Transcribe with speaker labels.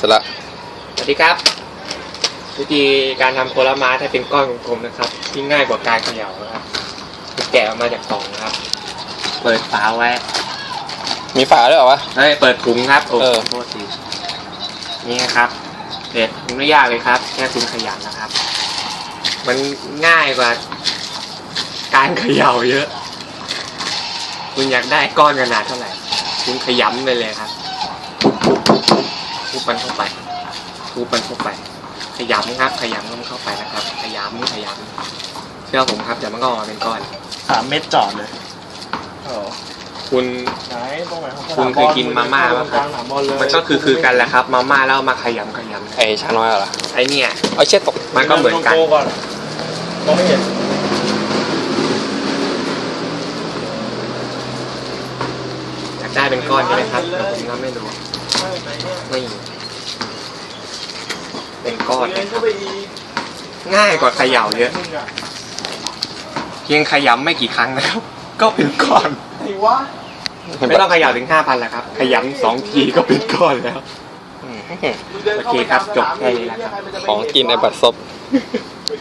Speaker 1: เสร็จละ
Speaker 2: สวัสดีครับวิธีการทำโคลาม้าถ้าเป็นก้อนกลมๆนะครับที่ง่ายกว่าการเขย่านะครับแกะออกมาจากกล่องนะครับเปิดฝาไว้
Speaker 1: มีฝาด้วยเหรอวะ
Speaker 2: เปิดถุงครับโอ้โทษทีนี่นะครับเด็ดไม่ยากเลยครับแค่คุณขยันนะครับมันง่ายกว่าการเขย่าเยอะคุณอยากได้ก้อนขนาดเท่าไหร่คุณขยำไปเลยครับทุบมันเข้าไปทุบมันเข้าไปขยำครับขยำมันเข้าไปนะครับขยำเชื่อผมครับเดี๋ยวมันก็ออกมาเป็นก้อน
Speaker 3: 3 เม็ดจอดเลย
Speaker 2: คุณเคยกินมาม่าป่ะครับมันก็คือกันแหละครับมาม่าแล้วมาขยำ
Speaker 1: ไอ้ชาน้อยเหรอ
Speaker 2: ไอ้เนี่ย
Speaker 1: เอาเช็ดตก
Speaker 2: มันก็เหมือนกัน
Speaker 3: มองไม่เห็น
Speaker 2: อยากได้เป็นก้อนใช่ไหมครับแต่ผมก็ไม่รู้นี่เป็นก้อนนะครับง่ายกว่าเขย่าเยอะเพียงขยำไม่กี่ครั้งนะครับก็เป็นก้อนไม่ต้องเขย่าถึง 5,000แล้วครับขยำ2 ทีก็เป็นก้อนแล้วโอเคครับจบแค่นี้แล้วครับ
Speaker 1: ของกินในบัตรซบ